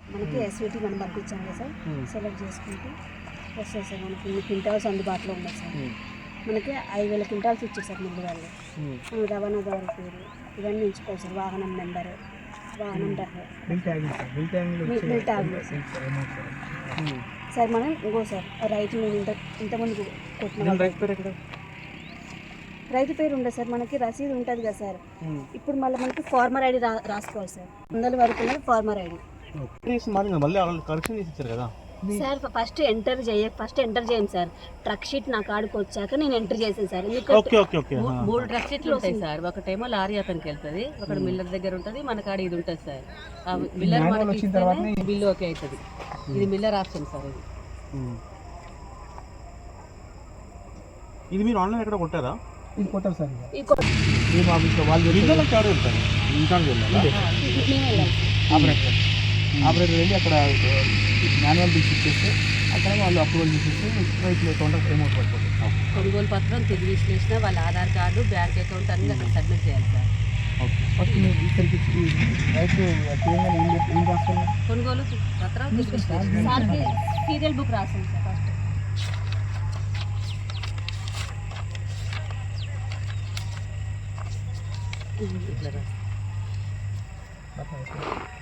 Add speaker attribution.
Speaker 1: మనకి ఎస్విటీ మనం పంపించాం కదా సార్, సెలెక్ట్ చేసుకుంటే వస్తాయి సార్. మనకి ఇన్ని క్వింటాల్స్ అందుబాటులో ఉన్నాయి సార్. మనకి 5,000 క్వింటాల్స్ ఇచ్చారు సార్ మిల్లు వాళ్ళు. మనం రవాణాదారు పేరు ఇవన్నీ ఎంచుకోవాలి సార్. వాహనం నెంబరు, వాహనం బిల్ ట్యాగ్ సార్. మనం ఇంకో సార్ రైతు నేను ఇంతమంది కొట్టిన రైతు పేరు ఉండదు సార్. మనకి రసీదు ఉంటుంది కదా సార్. ఇప్పుడు మళ్ళీ మనకి ఫార్మర్ ఐడి రాసుకోవాలి సార్. 100 వరకు farmer ID sir. First enter చేయండి సార్. ట్రక్ షీట్ నా కాడికి వచ్చాక నేను ఎంటర్ చేసాను సార్.
Speaker 2: 3 ట్రక్ షీట్లు ఉంటాయి సార్. ఒకటేమో లారీ అతనికి వెళ్తుంది, ఒకటి మిల్లర్ దగ్గర ఉంటుంది, మన కాడ ఇది ఉంటుంది సార్. మిల్లర్ మనకి బిల్లు ఓకే అవుతుంది. ఇది మిల్లర్ ఆప్షన్ సార్.
Speaker 3: ఇది మీరు ఆన్లైన్ ఎక్కడ కొట్టారా?
Speaker 4: ఇది కొట్టారు సార్. ఆపరేటర్ వెళ్ళి అక్కడ మాన్యువల్ బిల్స్ ఇచ్చేస్తే అక్కడ వాళ్ళు అప్రూవల్ చేసేస్తే రైతులు అకౌంట్ అమౌంట్ పడిపోతుంది.
Speaker 2: కొనుగోలు పత్రం, తుది విశ్లేషణ, వాళ్ళ ఆధార్ కార్డు, బ్యాంక్ అకౌంట్ అన్ని అక్కడ సబ్మిట్ చేయాలి సార్.
Speaker 4: ఫస్ట్ మీరు ఇక్కడికి రైతు ఏం రాస్తారు?
Speaker 2: కొనుగోలు పత్రం, తుది విశ్లేషణ
Speaker 1: సార్కి సీరియల్ బుక్ రాసాను సార్. ఫస్ట్
Speaker 2: ఇట్లా
Speaker 4: రాస్తారు.